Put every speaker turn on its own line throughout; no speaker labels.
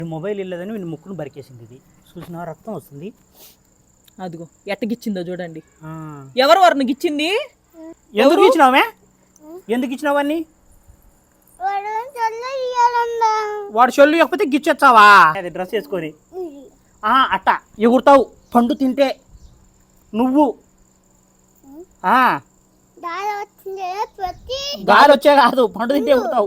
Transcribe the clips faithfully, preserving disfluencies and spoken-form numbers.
Mobile ఇల్లదని వీళ్ళు ముక్కును బరికేసింది. ఇది చూసిన రక్తం వస్తుంది.
అదిగో ఎట్టగిచ్చిందో చూడండి. ఎవరు వారిని గిచ్చింది?
ఎందుకు ఇచ్చినావే? ఎందుకు ఇచ్చినావన్నీ? వాడు చెల్లు లేకపోతే గిచ్చొచ్చావా? అది డ్రెస్ వేసుకొని అట్ట ఎగురుతావు పండు తింటే నువ్వు. గాలి వచ్చే కాదు, పండు తింటే ఎగురుతావు.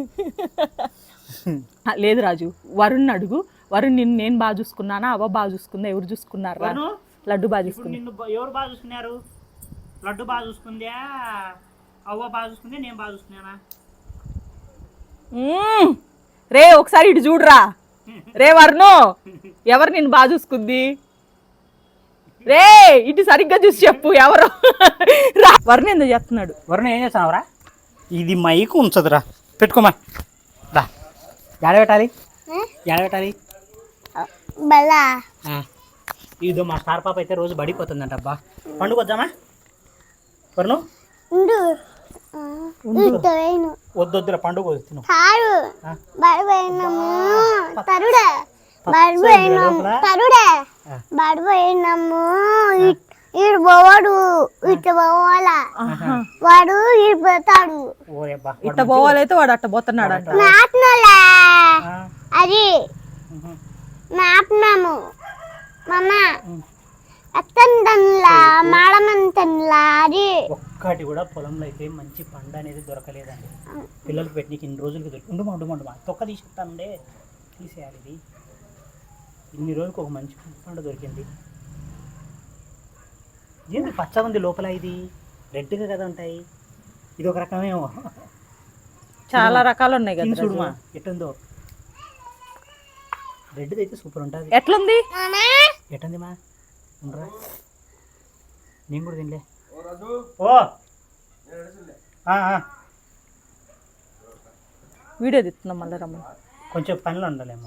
లేదు రాజు, వరుణ్ అడుగు. వరుణ్ నిన్ను నేను బాగా చూసుకున్నానా, అవ్వ బాగా చూసుకుందా, ఎవరు చూసుకున్నారు? లడ్డు బాగా చూసుకుంది.
నిన్ను ఎవరు బాగా చూసుకున్నారు? లడ్డు బాగా చూసుకుందా, అవ్వ బాగా చూసుకుందే, నేను బాగా చూసుకున్నానా?
రే ఒకసారి ఇటు చూడరా. రే వరుణు, ఎవరు నిన్ను బాగా చూసుకుంది? రే ఇటు సరిగ్గా చూసి చెప్పు ఎవరు. వరుణ్ ఎందుకు చేస్తున్నాడు?
వరుణ్ ఏం చేస్తున్నావురా? ఇది మైకు ఉంచదురా, పెట్టుకోమా. రా ఎడ పెట్టాలి, ఎడ పెట్టాలి? ఇదో మా స్టార్ పాప అయితే రోజు బడిపోతుందంట. అబ్బా పండుగ వద్దామా వరుణు? వద్దొద్దురా పండుగ తిను.
ఈడు పోవాడు, ఇట్ట పోవాలా, వాడు ఈడు పోతాడు.
ఇట్ట పోవాలైతే వాడు అట్ట పోతున్నాడు అంట.
నాపనలా అది నాపనాము మమ్మ అత్తంతన్లా మాడమంతన్లా అది.
ఒక్కటి కూడా పొలంలో అయితే మంచి పండు అనేది దొరకలేదండి. పిల్లలకి పెట్టినకి ఇన్ని రోజులకి దొరికి ఉండు ఉండు ఉండు తొక్క తీసేస్తానండే, తీసేయాలి. ఇది ఇన్ని రోజులకు ఒక మంచి పండు దొరికింది. ఏంటి పచ్చగా ఉంది లోపల, ఇది రెడ్గా కదా ఉంటాయి. ఇది ఒక రకమేమో,
చాలా రకాలు ఉన్నాయి కదా.
చూడుమా ఎట్టుందో, రెడ్ది అయితే సూపర్ ఉంటుంది.
ఎట్లుంది
ఎట్టుంది మా? ఉండరా నేను కూడా తినలే. ఓ
వీడియో తిస్తున్నాం మళ్ళీ రమ్మ.
కొంచెం పనిలో ఉండాలేమో.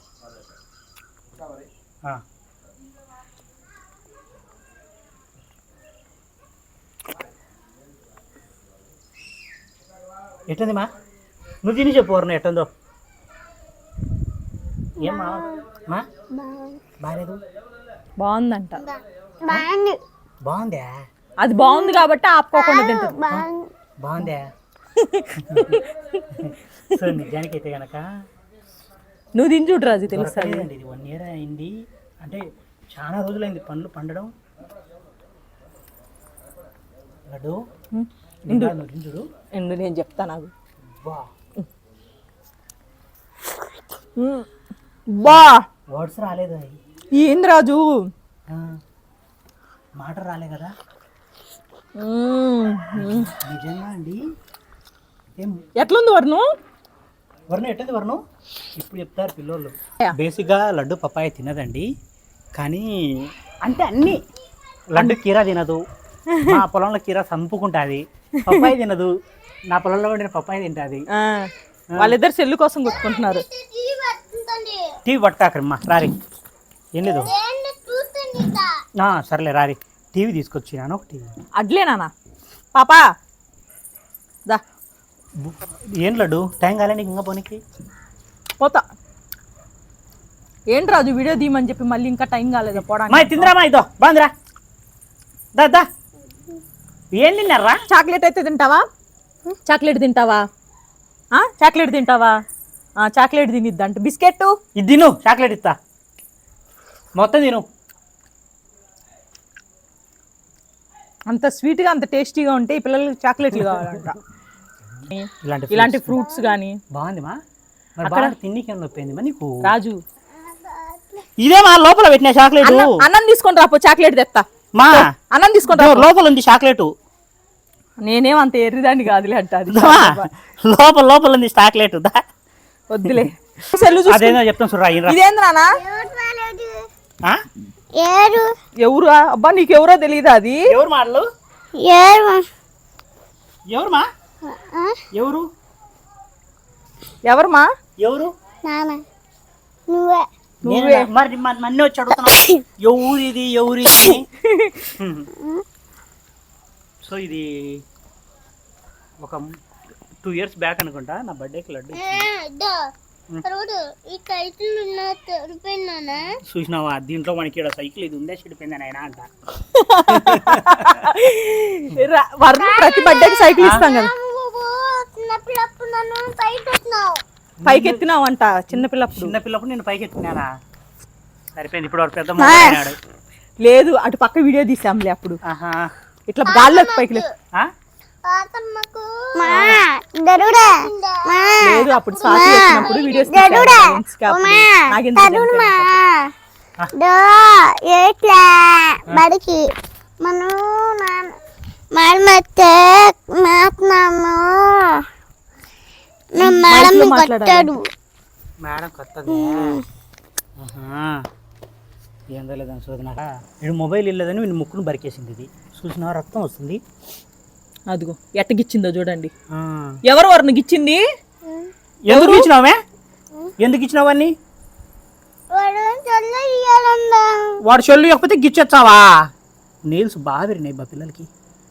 ఎట్టుంది మా? నువ్వు తిని చెప్పు వరుణ ఎట్టుందో. ఏమ్మా మా బాగాలేదు?
బాగుందంట.
బాగుందా?
అది బాగుంది కాబట్టి ఆపుకోకుండా తింటుంది.
బాగుందా? సో నిజానికి అయితే కనుక
నువ్వు తిని చూడు రాజు, తెలుస్తుంది.
ఇది వన్ ఇయర్ అయింది, అంటే చాలా రోజులైంది పండ్లు పండడం. లడ్డు చూడు,
ఎండు నేను చెప్తా నాకు. బా
వర్డ్స్ రాలేదు.
ఏంది రాజు,
మాట రాలే కదా నిజంగా అండి.
ఎట్లుంది వరుణు?
వరుణు ఎట్టుంది వరుణు? ఇప్పుడు చెప్తారు పిల్లోళ్ళు. బేసిక్గా లడ్డు పప్పాయ తినదండి, కానీ అంటే అన్నీ. లడ్డు కీరా తినదు, మా పొలంలో కీరా చంపుకుంటుంది. పప్పాయ తినదు, నా పొలంలో ఉండిన పప్పాయ తింటుంది.
వాళ్ళిద్దరు సెల్లు కోసం కొట్టుకుంటున్నారు.
టీవీ పట్టాకరమ్మా రారి, ఏం లేదు సర్లే రారి. టీవీ తీసుకొచ్చినాను ఒకటి.
అడ్లేనా పాపా? దా
ఏం లడ్డు టైం కాలేండి ఇంకా పోనీకి
పోతా. ఏంటి రాజు వీడియో తీయమని చెప్పి మళ్ళీ ఇంకా టైం కాలేదా పోవడానికి?
తిందిరామా ఇదో బాందిరా. దా దా ఏం తిన్నారా?
చాక్లెట్ అయితే తింటావా? చాక్లెట్ తింటావా? చాక్లెట్ తింటావా? చాక్లెట్ తినిద్దంట. బిస్కెట్
ఇది తిను, చాక్లెట్ ఇస్తా, మొత్తం తిను.
అంత స్వీట్గా అంత టేస్టీగా ఉంటే ఈ పిల్లలకి చాక్లెట్లు కావాలంట. ఇలాంటి ఫ్రూట్స్ కానీ
బాగుంది మా. అక్కడ తిండికి నొప్పింది మా నీకు
రాజు.
ఇదే మా లోపల పెట్టిన చాక్లెట్.
అన్నం తీసుకొని రాపో, చాక్లెట్ తెస్తా.
మా
అన్నం తీసుకొని
లోపల ఉంది చాక్లెట్.
నేనేం అంత ఎర్రిదాన్ని కాదులే అంట. అది
లోపల లోపల ఉంది చాక్లెట్.
వద్దులే,
అదేదో చెప్తాను చూడరా.
ఇదేంద్రా ఎవరు? అబ్బా నీకు ఎవరో తెలియదా? అది
ఎవరు మాటలు? ఎవరు మా? ఎవరు
ఎవరు మా?
ఎవరు?
నువ్వే.
మరి నన్ను వచ్చి అడుగుతున్నావు ఎవరు ఇది ఎవరు ఇది? సో ఇది ఒక టూ ఇయర్స్ బ్యాక్ అనుకుంటా, నా బర్త్డేకి లడ్డు
చూడు ఈ కైతులు ఉన్న తెరిపోయినా
చూసినావా దీంట్లో మనకి ఈడ సైకిల్ ఇది ఉందే చెడిపోయింది ఆయన అంట.
రా- వరుణ్ ప్రతి బర్త్డేకి సైకిల్ ఇస్తాం కదా.
చిన్నప్పుడు నన్ను పైకి వచ్చినావు
పైకి ఎత్తినావంట చిన్నపిల్లప్పుడు.
చిన్నపిల్లప్పుడు నేను పైకి ఎత్తుకున్నానా సరిపోయింది. ఇప్పుడు వాడు పెద్ద మొదలైనాడు.
లేదు అటు పక్క వీడియో తీసాంలే అప్పుడు.
ఆహా.
ఇట్లా గాల్లోకి పైకి లే-
ఆ?
తాతమ్మకు మా గరుడా మా
లేదు అప్పుడు స్వాతి వచ్చినప్పుడు వీడియోస్
గరుడా
నాకెందుకు
తరుణ్ మా దో ఏట్లా బడికి మనం మాడమత్తే మాట్లాము నా మేడం
మైక్లో మాట్లాడాలి.
కట్టాడు
మేడం కొత్తది. ఆహా. ఏందో లేదని చూడదు నాకు. వీడు మొబైల్ ఇల్లేదని వీడి ముక్కును బరికేసింది. ఇది చూసినా రక్తం వస్తుంది.
అదిగో ఎట్టగిచ్చిందో చూడండి.
ఆ.
ఎవరు వరుణ్ గిచ్చింది?
ఎందుకు ఇచ్చినావే? ఎందుకు ఇచ్చినావన్నీ?
వాడు చల్ల ఇయ్యాలందా
వాడు చెల్లు లేకపోతే గిచ్చొచ్చావా? నీల్స్ బాగా విరినాయి బా పిల్లలకి.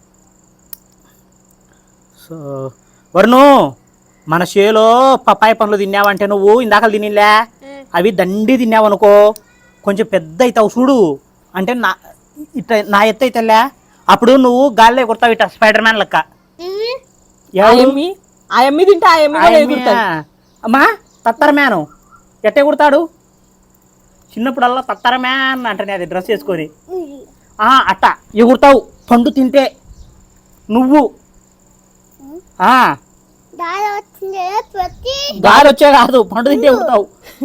సో వరుణు మన చేలో పప్పాయ పండ్లు తిన్నావంటే నువ్వు ఇందాక తినిలే అవి దండి తిన్నావనుకో కొంచెం పెద్ద అవుతావు చూడు. అంటే నా ఇట్లా నా ఎత్తు అయితేలే అప్పుడు నువ్వు గాల్లో కొడతావు ఇట్లా స్పైడర్ మ్యాన్ లెక్క. ఎవరు?
ఆయమ్మి ఆయమ్మి తింటే ఆయమ్మి కూడా ఎగురుతాడు.
అమ్మా తత్తర మ్యాను ఎట్టే కుడతాడు? చిన్నప్పుడల్లా తత్తర మ్యాన్ అంటనే అది డ్రెస్ వేసుకొని ఆ అట్ట ఎగురుతావు పండు తింటే నువ్వు. ఆ
దాని వచ్చింది ప్రతి
గాలి వచ్చే కాదు పండు తింటే ఎగురుతావు.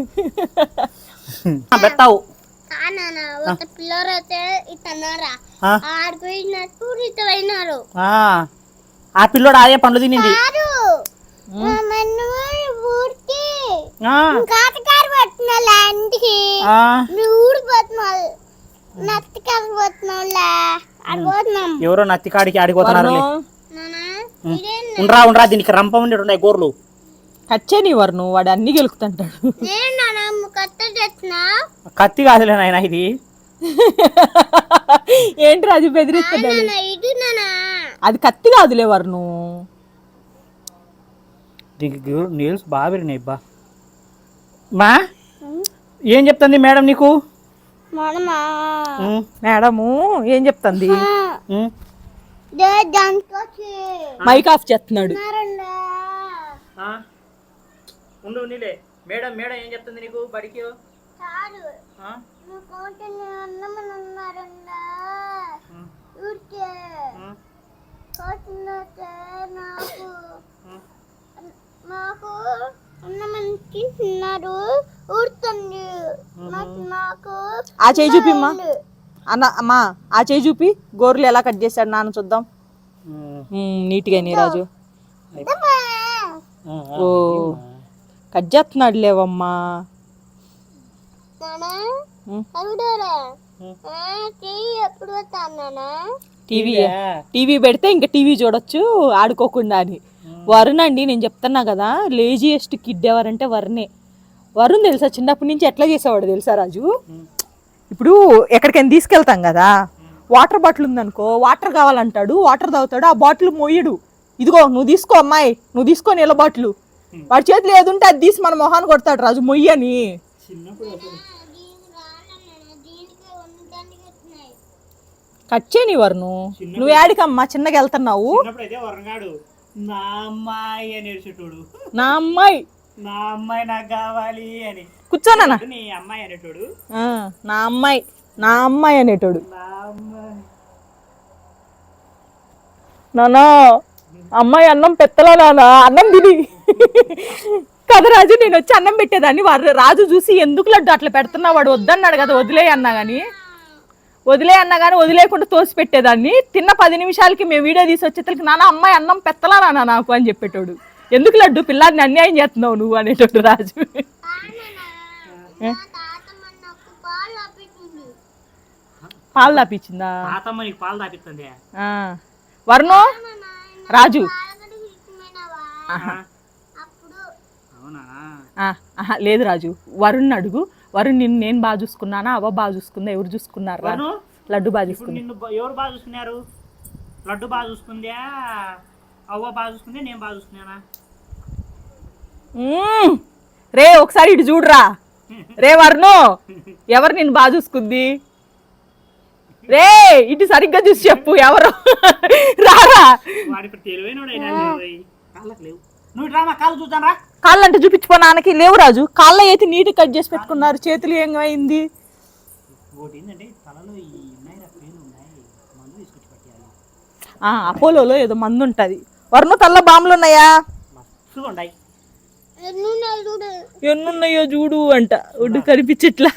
పెట్టావు.
నాన్న ఒక పిల్లలు అయితే ఇతన్నారా
ఆ,
ఆడిపోయినట్టు ఇతమైనారు
ఆ. ఆ పిల్లోడు ఆయే పండ్లు తినింది.
కాదు నన్ను ఊరికి
ఆ,
కాటకారు పట్టిన ఇంటికి
ఆ.
నువ్వు ఊడిపోతున్నావు నత్తకారు పోతున్నావులా అడిపోతున్నాం
ఎవరో నత్తికాడికి ఆడిపోతున్నారు.
వరుణ్
నాన్న ఇదేం
ఉండరా ఉండరా దీనికి రంపం ఉండి ఉన్నాయి గోర్లు.
కచ్చే నీ వరుణ్ వాడు అన్ని గెలుకుతుంటాడు.
నేను నాన్న కట్ట తెచ్చినా
కత్తి కాదులే నాయన ఇది.
ఏంటి రాజు బెదిరిస్తున్నాడు?
నాన్న ఇది నాన్న
అది కత్తి కాదులే వరుణ్.
దీనికి నీల్స్ బాగా విరినాయి బా. మా ఏం చెప్తుంది మేడం నీకు?
మనమా
ఉమ్,
మేడము ఏం చెప్తుంది?
ఉమ్.
దే దాంట్లో
మైక్ ఆఫ్ చేస్తున్నాడు.
చిన్నారండా
ఆ? ఉండు నీలే. మేడం మేడం ఏం చెప్తుంది నీకు బడికి?
కాదు
ఆ?
నువ్వు కోటని అన్నమని ఉన్నారండా
ఉమ్,
ఊరికే
ఉమ్,
కోటినైతే నాకు
ఉమ్.
నాకు అన్నమని తిన్నారు ఊరుతుంది నాకు నాకు
ఆ చేయి చూపిమ్మా అన్న అమ్మా ఆ చేయి చూపి గోర్లు ఎలా కట్ చేశాడు నాన్న చూద్దాం.
ఉమ్,
ఉమ్, నీట్గా నీ రాజు.
ఉమ్,
ఓ కట్ చేస్తున్నాడు లేవమ్మా.
నానా
ఉమ్.
అడుగుతారా
ఉమ్.
చెయ్యి ఎప్పుడు వస్తానా
టీవీ
టీవీయా?
టీవీ పెడితే ఇంకా టీవీ చూడొచ్చు ఆడుకోకుండా అని. వరుణ్ అండి నేను చెప్తున్నా కదా లేజియెస్ట్ కిడ్ ఎవరంటే వరుణే. వరుణ్ తెలుసా చిన్నప్పటి నుంచి ఎట్లా చేసేవాడు తెలుసా రాజు? ఇప్పుడు ఎక్కడికైనా తీసుకెళ్తాం కదా వాటర్ బాటిల్ ఉందనుకో వాటర్ కావాలంటాడు వాటర్ తాగుతాడు ఆ బాటిల్ మోయడు. ఇదిగో నువ్వు తీసుకో అమ్మాయి నువ్వు తీసుకో నీళ్ళ బాటిల్. వాడి చేతులు ఏదుంటే అది తీసి మన మొహాన్ని కొడతాడు రాజు మొయ్యని.
చిన్నప్పుడు అసలు
కచ్చే నీ వరుణు నువ్వు యాడికమ్మా చిన్నగా వెళ్తున్నావు?
చిన్నప్పుడు అయితే వరంగాడు నా అమ్మాయి అని ఏడ్చేటోడు.
నా అమ్మాయి
నా అమ్మాయి నాకు కావాలి అని.
కూర్చోనా
నీ అమ్మాయి అనేటోడు.
నా అమ్మాయి నా అమ్మాయి అనేటోడు.
నా అమ్మాయి
నానా అమ్మాయి అన్నం పెత్తలా నానా అన్నం తిని కదా రాజు నేను వచ్చి అన్నం పెట్టేదాన్ని వాడు రాజు చూసి ఎందుకు లడ్డు అట్లా పెడుతున్నా వాడు వద్దన్నాడు కదా వదిలే అన్నా కానీ వదిలే అన్నా కానీ వదిలేకుండా తోసి పెట్టేదాన్ని. తిన్న పది నిమిషాలకి మేము వీడియో తీసి వచ్చేసరికి నాన్న అమ్మాయి అన్నం పెత్తలా నాన్న నాకు అని చెప్పేటోడు. ఎందుకు లడ్డు పిల్లాడిని అన్యాయం చేస్తున్నావు నువ్వు అనేటోడు రాజు. పాలు తాపించిందా?
తాతమ్మ నీకు పాలు తాపిస్తుంది.
వరుణు రాజు
అవునా?
ఆహా లేదు రాజు వరుణ్ అడుగు. వరుణ్ నిన్ను నేను బాగా చూసుకున్నానా అవ్వ బాగా చూసుకుందా ఎవరు చూసుకున్నారు?
వరుణు,
లడ్డు బాగా
ఇప్పుడు
చూసుకుంది.
నిన్ను బ- ఎవరు బాగా చూసుకున్నారు? లడ్డు బాగా చూసుకుందా? అవ్వ బాగా చూసుకుందే నేను బాగా చూసుకున్నానా?
రే ఒకసారి ఇటు చూడురా. రే వర్ణు, ఎవరు నిన్ను బాగా చూసుకుంది? రే ఇటు సరిగ్గా చూసి చెప్పు ఎవరు. రారా.
వాడి ఇప్పుడు తెలివైనోడైనా కాళ్ళకి లేవు. నువ్వు డ్రామా కాళ్ళు చూద్దాం రా.
కాళ్ళు అంటే చూపించుకో నాన్నకి. లేవు రాజు, కాళ్ళ అయితే నీట్ కట్ చేసి పెట్టుకున్నారు, చేతులు ఏమైంది?
ఒకటి ఏంటంటే తలలో ఈ ఉన్నాయి రా, పేర్లు ఉన్నాయి, మందు తీసుకొచ్చి పట్టేయాలి.
ఆ అపోలోలో ఏదో మందు ఉంటది. వర్ణ తల్ల బాంబులు ఉన్నాయా?
మస్తుగా ఉన్నాయి.
ఎన్నున్నాయి చూడు.
ఎన్నున్నాయో చూడు అంట. ఒడ్డు కనిపించట్లా.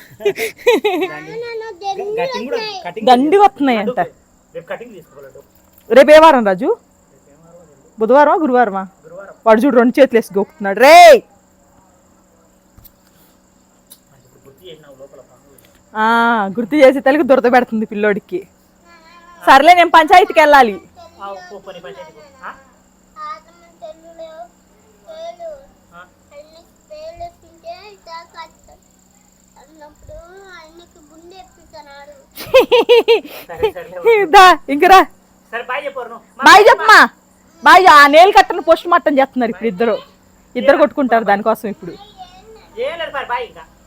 కటింగ్ కూడా కటింగ్
దండి వస్తున్నాయి అంట.
రేపు కటింగ్ తీసుకోవాలి.
రేపు ఏ వారం రాజు? బుధవారమా గురువారమా?
గురువారం.
వాడు చూడు రెండు చేతులు వేసి గోకుతున్నాడు. రే
గుర్తు చేసినావు లోపల పనులు.
ఆ గుర్తు చేసి తెలుగు దురద పెడుతుంది పిల్లోడికి. సర్లే నేను పంచాయతీకి వెళ్ళాలి.
ఆ, పో, పని పంచాయతీకి పో. ఆ?
ఆతమ్మ తెల్లులో పేలు
ఆ?
అన్ని పేలు తింటే ఇట్లా కట్టారు అన్నప్పుడు అన్నికి గుండె ఎప్పిస్తున్నాడు.
సరే సరే
దా ఇంకరా.
సరే బాయ్ చెప్పారు నువ్వు.
బాయ్ చెప్పమా. బాయ్. ఆ నేలు కట్టను పోస్ట్ మార్టం చేస్తున్నారు ఇప్పుడు ఇద్దరు. ఇద్దరు కొట్టుకుంటారు దానికోసం ఇప్పుడు.
ఏం లేదు బాయ్ ఇంకా.